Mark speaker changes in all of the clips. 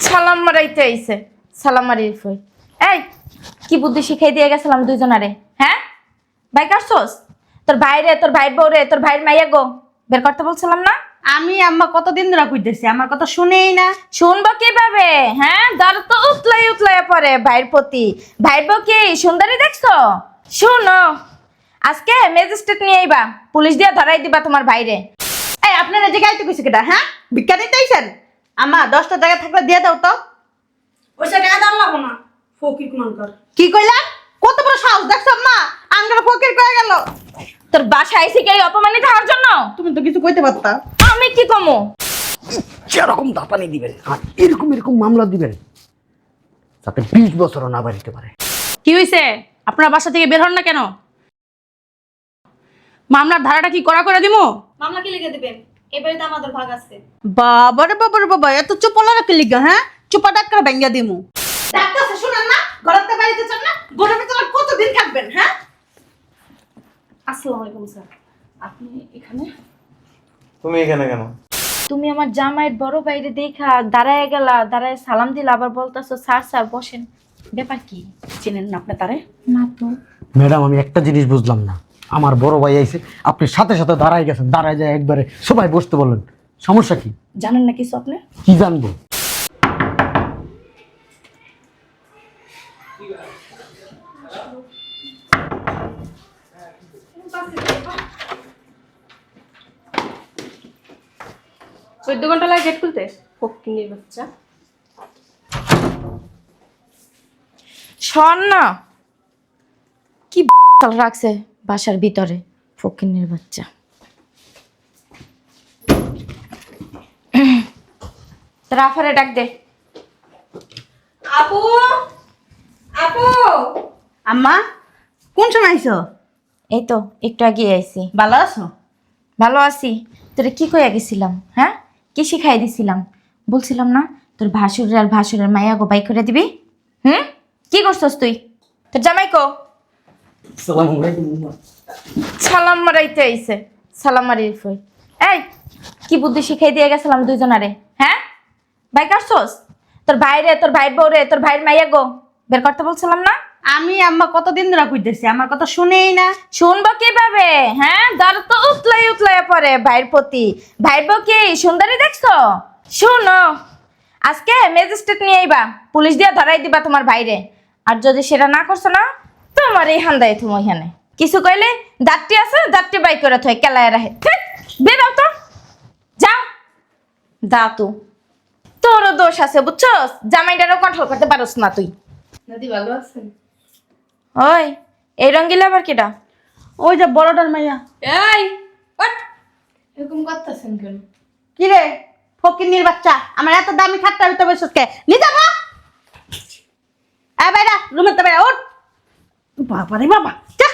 Speaker 1: সালাম মারাইতে আইছে সালাম মারিয়ে ফই। এই কি বুদ্ধি শিখাই দিয়ে গেছিলাম দুইজনারে, হ্যাঁ? ভাই কাটছস? তোর ভাইরে, তোর ভাইয়ের বউরে, তোর ভাইয়ের মাইয়া গো বের করতে বলছিলাম না?
Speaker 2: আমি আম্মা কতদিন ধরে কইতেছি, আমার কথা শুনেই না।
Speaker 1: শুনবো কিভাবে? হ্যাঁ, দর তো উতলাই পড়ে ভাইয়ের প্রতি। ভাইয়ের বউ কি সুন্দরী দেখছো? শুনো, আজকে ম্যাজিস্ট্রেট নিয়ে আইবা, পুলিশ দিয়ে ধরাই দিবা তোমার ভাইরে।
Speaker 2: এই আপনারা যে গাইতে কইছে কেটা, হ্যাঁ? ভিক্ষা দিতে আইছেন? আম্মা 10টা টাকা থাকলে দিয়ে দাও তো।
Speaker 3: ওইসব টাকা দাম লাগবো না, ফকির কুমানকার।
Speaker 2: কি কইলা? কত বড় সাহস দেখছো আম্মা? আঙ্গার ফকির কয়ে গেল।
Speaker 1: তোর বাসায় আইছি কি এই অপমানিত হওয়ার জন্য?
Speaker 2: তুমি তো কিছু কইতে পারতা।
Speaker 1: আমি কি কমু?
Speaker 4: যেরকম দাপানি দিবেন আর এরকম এরকম মামলা দিবেন যাতে 20 বছরও না বাড়িতে পারে।
Speaker 3: কি হয়েছে? আপনার বাসা থেকে বের হন না কেন? মামলার ধারাটা কি করা করে দিমু?
Speaker 5: মামলা কি লিখে দিবেন? এবারে তো আমাদের ভাগ আছে।
Speaker 2: বাবারে বাবারে বাবা, এত চুপলা রাখে লিগা, হ্যাঁ? চুপা ডাক্তার ভেঙ্গা দিমু। ডাক্তার শুনেন না? ঘরতে বাড়িতে চান না? ঘরের ভিতরে কতদিন থাকবেন, হ্যাঁ?
Speaker 5: আসসালামু আলাইকুম স্যার। আপনি এখানে?
Speaker 6: তুমি এখানে কেন?
Speaker 1: তুমি আমার জামাইয়ের বড় বাইরে দেখা দাঁড়ায় গেলা, দাঁড়ায় সালাম দিলা, আবার বলতাছো স্যার স্যার বসেন। ব্যাপার কি?
Speaker 3: চিনেন না আপনি তারে?
Speaker 1: না তো।
Speaker 4: ম্যাডাম আমি একটা জিনিস বুঝলাম না, আমার বড় ভাই আইছে, আপনি সাথে সাথে দাঁড়ায় গেছেন, দাঁড়ায় যায় একবারে সবাই বসতে বললেন, সমস্যা কি?
Speaker 3: জানেন না কিছু আপনি?
Speaker 4: কি জানবো?
Speaker 5: চোদ্দ ঘন্টা লাগে গেট খুলতে। ফকির বাচ্চা।
Speaker 1: শোন না, কি রাখছে বাসার ভিতরে ফকিন্নির বাচ্চা। রাফারে ডাক দে।
Speaker 5: আপু, আপু।
Speaker 2: আম্মা কোন সময় আইছো?
Speaker 1: এই তো একটু আগে আইছি।
Speaker 2: ভালো আছো?
Speaker 1: ভালো আছি। তোরে কি কইয়া গেছিলাম, হ্যাঁ? কি শিখাই দিছিলাম? বলছিলাম না তোর ভাসুরের আর ভাসুরের মাইয়া গো বাই করে দিবি? কি করছস তুই? তোর জামাই কো?
Speaker 4: আসসালামু আলাইকুম।
Speaker 1: সালাম মারাইতে আইছে সালাম মারিয়ে ফই। এই কি বুদ্ধি শিখাই দিয়ে গেছিলাম দুইজনারে, হ্যাঁ? ভাই কাটছস? তোর ভাইরে, তোর ভাইয়ের বউরে, তোর ভাইয়ের মাইয়া গো বের করতে বলছিলাম না?
Speaker 2: আমি আম্মা কতদিন ধরে কইতেছি, আমার কথা শুনেই না।
Speaker 1: শুনবো কিভাবে? হ্যাঁ, দর তো উতলাই পড়ে ভাইয়ের প্রতি। ভাইয়ের বউ কি সুন্দরী দেখছো? শুনো, আজকে ম্যাজিস্ট্রেট নিয়ে আইবা, পুলিশ দিয়ে ধরাই দিবা তোমার ভাইরে। আর যদি সেটা না করছো না, তোমার এই হান্দায় তুমি ওইখানে কিছু কইলে দাঁতটি আছে, দাঁতটি বাই করে থয় কেলায় রাখে। বেরাও তো, যাও। দাঁতু তোরও দোষ আছে বুঝছস, জামাইটারও কন্ট্রোল করতে পারোস না তুই।
Speaker 5: দাদি ভালো আছেন?
Speaker 1: ওই এই রঙ্গিলা আবার কেডা?
Speaker 2: ওই যে বড়টার মাইয়া।
Speaker 5: এই ওঠ, এরকম করতেছেন কেন?
Speaker 2: কি রে ফকিন্নির বাচ্চা, আমার এত দামি খাটটার ভিতরে বসে কে নি যাবো? এ বাইরা, রুমের তো বাইরা উঠ। বাবা রে বাবা, যা।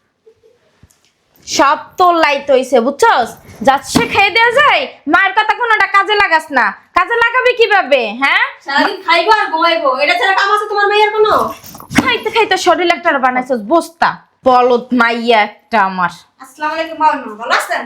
Speaker 1: সব তোর লাইট হইছে বুঝছস, যাচ্ছে খেয়ে দেওয়া যায়, মায়ের কথা কোনোটা কাজে লাগাস না। কাজে লাগাবি কিভাবে? হ্যাঁ,
Speaker 5: সারাদিন খাইবো আর ঘুমাইবো, এটা ছাড়া কাম আছে তোমার মেয়ের কোনো?
Speaker 1: খাইতে খাইতে শরীর একটা বানাইছস বস্তা। বলদ মাইয়া একটা আমার।
Speaker 5: আসসালামু আলাইকুম বাবা মা, ভালো আছেন?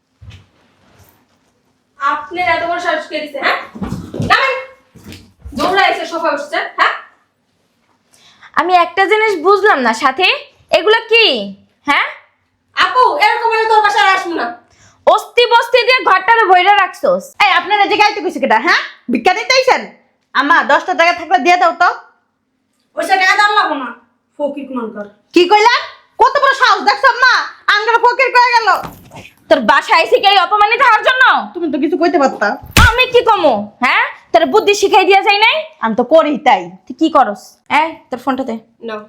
Speaker 5: আপনার এত বড় সাহস কে দিছে, হ্যাঁ? নামেন। দৌড়া এসে সোফা বসছে, হ্যাঁ?
Speaker 1: আমি একটা জিনিস বুঝলাম না সাথে, এগুলো কি? হ্যাঁ,
Speaker 5: আপু এরকম হলে তোর বাসায় আর আসবো না।
Speaker 1: অস্তি বস্তি দিয়ে ঘরটারে ভইরা রাখছস।
Speaker 2: এই আপনারা যে গাইতে কইছে কেটা, হ্যাঁ? ভিক্ষা দিতে আইছেন? আম্মা 10টা টাকা থাকলে দিয়ে দাও তো।
Speaker 3: ওইসব টাকা দাম লাগবো না, ফকির কুমানকার।
Speaker 2: কি কইলা? কত বড় সাহস দেখছো আম্মা? আঙ্গার ফকির কয়ে গেল।
Speaker 1: তোর বাসায় আইছি কি এই অপমানিত হওয়ার জন্য?
Speaker 2: তুমি তো কিছু কইতে পারতা।
Speaker 1: আমি কি কমু? হ্যাঁ, তোর বুদ্ধি শিখাই দিয়া যায় নাই?
Speaker 2: আমি তো করি তাই।
Speaker 1: তুই কি করস? এই তোর ফোনটা দে।
Speaker 5: নাও।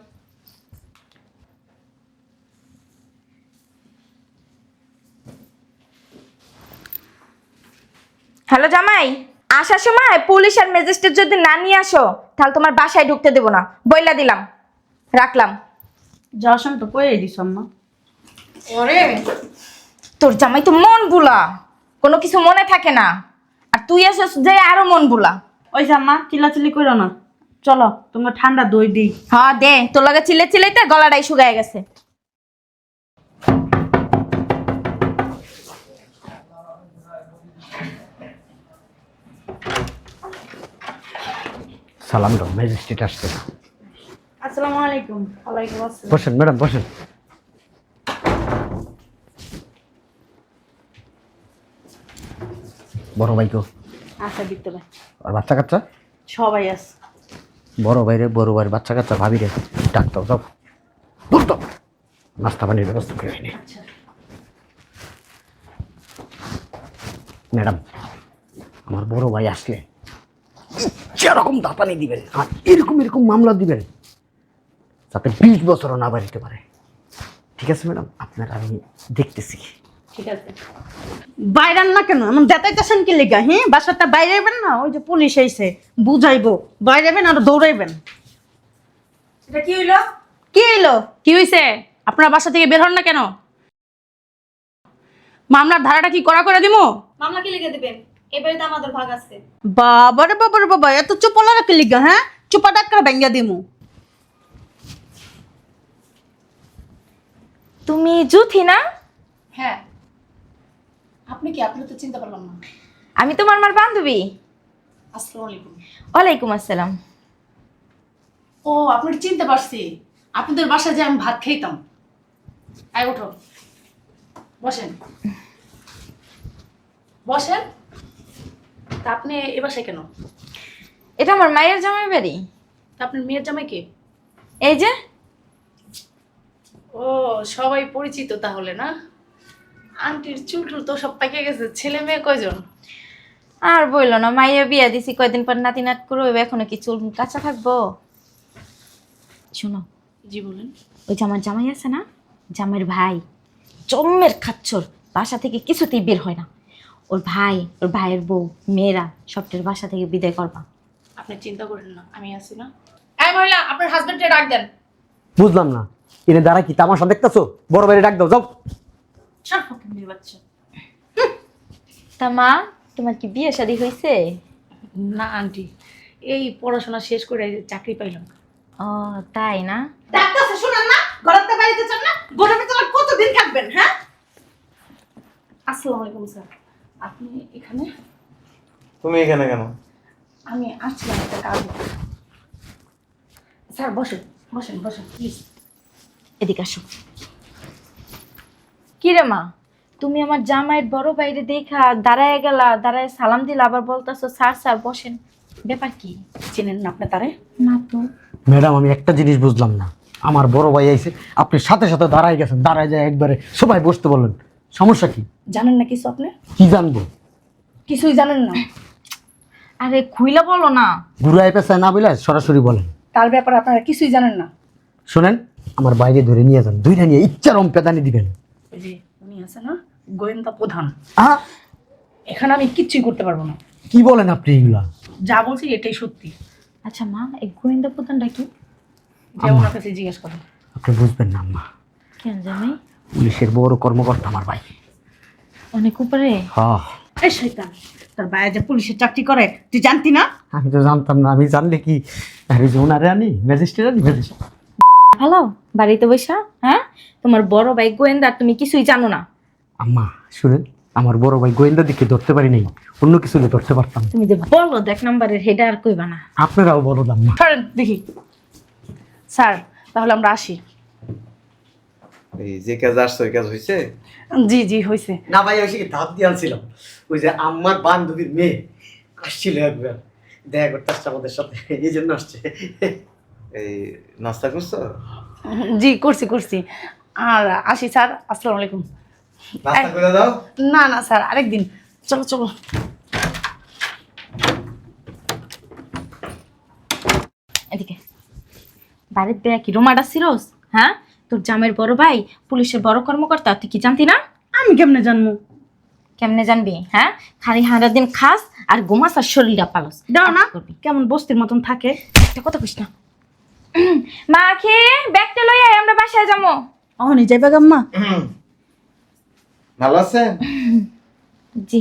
Speaker 1: হ্যালো জামাই, আসার সময় পুলিশ আর ম্যাজিস্ট্রেট যদি না নিয়ে আসো তাহলে তোমার বাসায় ঢুকতে দেবো না, বইলা দিলাম। রাখলাম।
Speaker 2: যাওয়ার সময় তো কইই দিছ আম্মা।
Speaker 5: ওরে
Speaker 1: তোর জামাই তো মন বুলা, কোনো কিছু মনে থাকে না। আর তুই আসস যে আরো মন বুলা।
Speaker 2: ওই যে আম্মা চিল্লাচিল্লি করো না, চলো তোমরা ঠান্ডা দই দিই।
Speaker 1: হ্যাঁ দে, তোর লগে চিলে চিলাইতে গলাটাই শুকায় গেছে।
Speaker 4: সালাম দাও, ম্যাজিস্ট্রেট আসছে।
Speaker 3: আসসালামু আলাইকুম। ওয়ালাইকুম আসসালাম।
Speaker 4: বসেন ম্যাডাম, বসেন। বড় ভাই কো?
Speaker 2: আচ্ছা দিতে ভাই,
Speaker 4: আর বাচ্চা কাচ্চা?
Speaker 2: সবাই আছে।
Speaker 4: বড় ভাইরে, বড় ভাইয়ের বাচ্চা কাচ্চা, ভাবিরে ডাক্তার সব বলতো নাস্তা পানির ব্যবস্থা করে হয়নি। ম্যাডাম, আমার বড় ভাই আসলে যেরকম দাপানি দিবেন আর এরকম এরকম মামলা দিবেন যাতে 20 বছরও না বাড়িতে পারে। ঠিক আছে ম্যাডাম, আপনার আমি দেখতেছি।
Speaker 2: ঠিক আছে, বাইরেন না কেন এমন দেখাইতেছেন কি লিগা? হ্যাঁ, বাসাটা বাইরে যাবেন না, ওই যে পুলিশ আইছে বুঝাইবো, বাইরে যাবেন আর দৌড়াইবেন।
Speaker 3: এটা কি হইলো?
Speaker 2: কি এলো?
Speaker 5: কি হয়েছে? আপনার বাসা থেকে বের হন না কেন? মামলার ধারাটা কি করা করে দিমু?
Speaker 7: মামলা কি লিখে দিবেন? এবারে তো আমাদের ভাগ আছে।
Speaker 2: বাবারে বাবারে বাবা, এত চুপলা রাখি লিগা? হ্যাঁ, চুপা ডাক্তার ভেঙ্গা দিমু।
Speaker 1: তুমি জুথি না?
Speaker 3: হ্যাঁ। আপনি কি? আপনি তো চিন্তা করলাম না।
Speaker 1: আমি তোমার আমার বান্ধবী।
Speaker 3: আসসালামু আলাইকুম।
Speaker 1: ওয়ালাইকুম আসসালাম।
Speaker 3: ও, আপনার চিনতে পারছি। আপনাদের বাসায় যে আমি ভাত খাইতাম। আয় ওঠো, বসেন বসেন। তা আপনি এ বাসায় কেন?
Speaker 1: এটা আমার মায়ের জামাই বাড়ি।
Speaker 3: তা আপনার মেয়ের জামাই কে?
Speaker 1: এই যে।
Speaker 3: ও, সবাই পরিচিত তাহলে না? আন্টির চুল টুল তো সব পাকে গেছে। ছেলে মেয়ে কয়জন?
Speaker 1: আর বললো না, মাইয়া বিয়া দিছি, কয়দিন পর নাতি নাত করবে, এখনো কি চুল কাঁচা থাকবো? শোনো,
Speaker 3: জি বলেন।
Speaker 1: ওই যে আমার জামাই আছে না, জামাইয়ের ভাই জম্মের খাচ্ছর, বাসা থেকে কিছুতেই বের হয় না। ওর ভাই, ওর ভাইয়ের বউ, মেয়েরা সবটার বাসা থেকে বিদায় করবা।
Speaker 3: আপনি চিন্তা করেন না, আমি আছি না। এই মহিলা, আপনার হাজবেন্ডকে ডাক দেন।
Speaker 4: বুঝলাম না, এনে দ্বারা কি তামাশা দেখতেছো? বড় ভাইরে ডাক দাও, যাও।
Speaker 3: সব ফকির মেয়ে বাচ্চা।
Speaker 1: তা মা, তোমার কি বিয়ে শাদী হয়েছে?
Speaker 3: না আন্টি, এই পড়াশোনা শেষ করে চাকরি পাইলাম।
Speaker 1: ও তাই না?
Speaker 2: ডাক্তার শুনেন না, ঘরেতে বাড়িতে চান না, ঘরের ভিতরে কতদিন থাকবেন? হ্যাঁ,
Speaker 3: আসসালামু আলাইকুম স্যার। আপনি এখানে?
Speaker 6: তুমি এখানে কেন?
Speaker 3: আমি আসছিলাম একটা কাজে। স্যার বসেন বসেন বসেন প্লিজ।
Speaker 1: এদিকে আসো। কি রে মা, তুমি আমার জামাইয়ের বড় বাইরে দেখা দাঁড়ায় গেলা, দাঁড়ায় সালাম দিলা, আবার বলতেছো স্যার স্যার বসেন, ব্যাপার কি?
Speaker 3: চেনেন না আপনি তারে?
Speaker 1: না তো।
Speaker 4: ম্যাডাম, আমি একটা জিনিস বুঝলাম না, আমার বড় ভাই আইছে, আপনি সাথে সাথে দাঁড়ায় গেছেন, দাঁড়ায় যায় একবারে সবাই বসতে বললেন, সমস্যা কি?
Speaker 3: জানেন না কিছু আপনি?
Speaker 4: কি জানবো?
Speaker 3: কিছুই জানেন না?
Speaker 1: আরে খুইলা বলো না।
Speaker 4: ঘুরায় পেঁচায় না বলে সরাসরি বলেন।
Speaker 3: তার ব্যাপারে আপনারা কিছুই জানেন না।
Speaker 4: শোনেন, আমার বাইরে ধরে নিয়ে যান, দুইটা নিয়ে ইচ্ছারম পেদানি দিবেন।
Speaker 3: ওই যে উনি আছে না, গোয়েন্দা প্রধান,
Speaker 4: আহ,
Speaker 3: এখানে আমি কিচ্ছুই করতে পারবো না।
Speaker 4: কি বলেন আপনি এগুলা?
Speaker 3: যা বলছি এটাই সত্যি।
Speaker 1: আচ্ছা মা, এই গোয়েন্দা প্রধানটা কি?
Speaker 3: যে ওনার কাছে জিজ্ঞেস করেন।
Speaker 4: আপনি বুঝবেন না আম্মা,
Speaker 1: কেন জানি
Speaker 4: পুলিশের বড় কর্মকর্তা আমার ভাই।
Speaker 1: অনেক উপরে।
Speaker 4: হ্যাঁ,
Speaker 2: এই শয়তান, তোর ভাই যে পুলিশের চাকরি করে তুই জানতি না?
Speaker 4: আমি তো জানতাম না, আমি জানলে কি আরে যে ওনারে আনি, ম্যাজিস্ট্রেট আনি, ম্যাজিস্ট্রেট।
Speaker 1: ভালো বাড়িতে বসা, হ্যাঁ? তোমার বড় ভাই গোয়েন্দা, তুমি কিছুই জানো না।
Speaker 4: আম্মা শুনেন, আমার বড় ভাই গোয়েন্দা দিকে ধরতে পারি নাই, অন্য কিছু হলে ধরতে পারতাম।
Speaker 1: তুমি যে বলো দেখ নাম্বারের হেডা আর কইবা না।
Speaker 4: আপনারাও বড় আম্মা।
Speaker 3: সরেন দেখি। স্যার তাহলে আমরা আসি।
Speaker 6: এই যে কাজ আসছো, ওই কাজ হয়েছে?
Speaker 3: জি জি হয়েছে।
Speaker 4: না ভাই, আমি কি ধাপ দিয়ে আনছিলাম, ওই যে আমার বান্ধবীর মেয়ে আসছিল একবার, দেখা করতে আসছে আমাদের সাথে, এই জন্য আসছে।
Speaker 6: এই নাস্তা করছো?
Speaker 3: জি করছি করছি। আর আসি স্যার, আসসালামু আলাইকুম।
Speaker 6: নাস্তা করে দাও।
Speaker 3: না না স্যার, আরেকদিন। চলো চলো।
Speaker 1: এদিকে বাড়ির বেয়া কি রোমাডা সিরোস? হ্যাঁ, তোর জামের বড় ভাই পুলিশের বড় কর্মকর্তা, তুই কি জানতি না?
Speaker 2: আমি কেমনে জানবো?
Speaker 1: কেমনে জানবি? হ্যাঁ, খালি হারা দিন খাস আর ঘুমাস আর শরীরটা পালস।
Speaker 2: দাও না,
Speaker 1: আর কি করবি?
Speaker 2: কেমন বস্তির মতন থাকে।
Speaker 1: একটা কথা কইস না। মা খেয়ে ব্যাগটা লই আয়, আমরা বাসায় যাবো।
Speaker 2: অহনি যাইবা গাম্মা?
Speaker 6: ভালো আছেন?
Speaker 1: জি।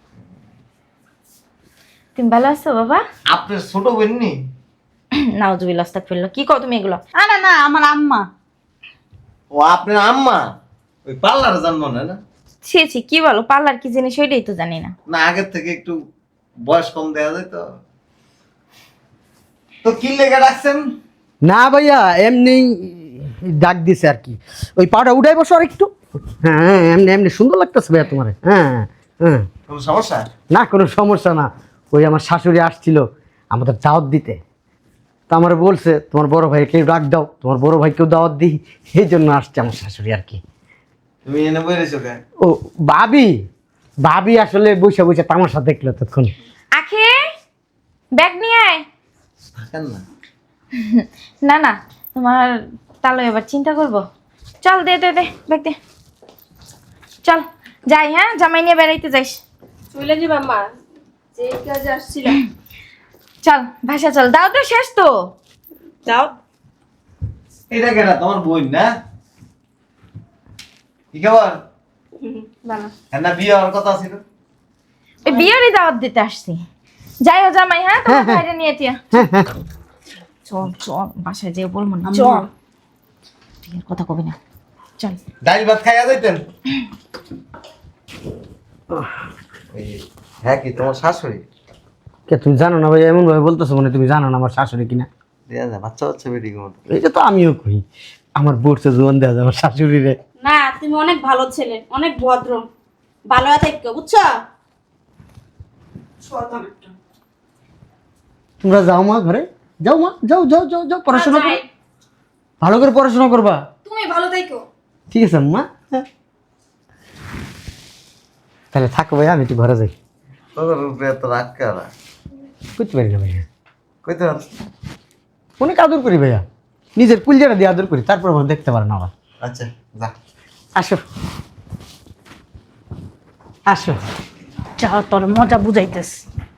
Speaker 1: তুমি ভালো আছো বাবা?
Speaker 6: আপনার ছোট বোন নি?
Speaker 1: নাউজুবিল্লাহ, আস্তাগফিরুল্লাহ। কি কও তুমি এগুলো?
Speaker 2: আরে না, আমার আম্মা।
Speaker 6: ও আপনার আম্মা? ওই পার্লারে জানবো না? না
Speaker 1: ছি ছি, কি বলো? পার্লার কি জিনিস ওইটাই তো জানি না।
Speaker 6: না, আগের থেকে একটু বয়স কম দেখা যায় তো। তো কি লেগে ডাকছেন?
Speaker 4: না ভাইয়া এমনি ডাক দিছে আর কি। ওই পাটা উঠাই বসো আর একটু। হ্যাঁ এমনি এমনি সুন্দর লাগতেছে ভাইয়া তোমার। হ্যাঁ হ্যাঁ
Speaker 6: কোনো সমস্যা?
Speaker 4: না কোনো সমস্যা না। ওই আমার শাশুড়ি আসছিল আমাদের দাওয়াত দিতে, তো আমার বলছে তোমার বড় ভাইকে ডাক দাও, তোমার বড় ভাইকেও দাওয়াত দিই, এই জন্য আসছে আমার শাশুড়ি আর কি।
Speaker 6: তুমি এনে বইরেছো কে?
Speaker 4: ও ভাবি, ভাবি আসলে বসে বসে তামাশা দেখলো তখন।
Speaker 1: আখি ব্যাগ নিয়ে আয়।
Speaker 6: থাকেন না।
Speaker 1: না না, তোমার তাহলে এবার চিন্তা করব। চল দে দে দে ব্যাগ দে। চল যাই, হ্যাঁ জামাই নিয়ে বেড়াইতে যাইস।
Speaker 5: চলে যাবা মা, যে কাজে আসছিলাম।
Speaker 1: চল ভাষা চল, দাও তো শেষ তো।
Speaker 5: যাও।
Speaker 6: এটা কেটা তোমার বোন না? কি খবর?
Speaker 5: ভালো।
Speaker 6: হ্যাঁ না, বিয়ে হওয়ার কথা ছিল।
Speaker 1: ওই বিয়েরই দাওয়াত দিতে আসছি। যাই ও জামাই, হ্যাঁ তোমার বাইরে নিয়ে তিয়া। চল চল, বাসায় যেয়ে বলবো না, চল। ঠিক আছে, কথা কবি না, চল।
Speaker 6: ডাইল ভাত খাইয়া যাইতেন। হ্যাঁ, কি তোমার শাশুড়ি?
Speaker 4: কে তুমি জানো না ভাই? এমন ভাবে বলতেছো মানে তুমি জানো না আমার শাশুড়ি কিনা।
Speaker 6: দেয়া যায় বাচ্চা বাচ্চা বেটি মতো।
Speaker 4: এইটা তো আমিও কই, আমার বোরছে জোয়ান দেওয়া যায় আমার শাশুড়ি রে।
Speaker 7: না, তুমি অনেক ভালো ছেলে, অনেক ভদ্র, ভালো থাকো, বুঝছো?
Speaker 4: তোমরা যাও মা ঘরে, যাও মা, যাও যাও যাও যাও, পড়াশোনা করো, ভালো করে পড়াশোনা করবা।
Speaker 7: তুমি ভালো থাকো।
Speaker 4: ঠিক আছে মা। হ্যাঁ। তাহলে থাকো ভাই, আমি একটু ঘরে যাই।
Speaker 6: তোর উপরে এত রাগ করা?
Speaker 4: করতে পারি না ভাইয়া,
Speaker 6: কইতে পারছ?
Speaker 4: অনেক আদর করি ভাইয়া, নিজের কুলজাটা দিয়ে আদর করি, তারপর আমার দেখতে পারে না আবার।
Speaker 6: আচ্ছা যা।
Speaker 4: আসো আসো।
Speaker 2: যা তোর মজা বুঝাইতেছ।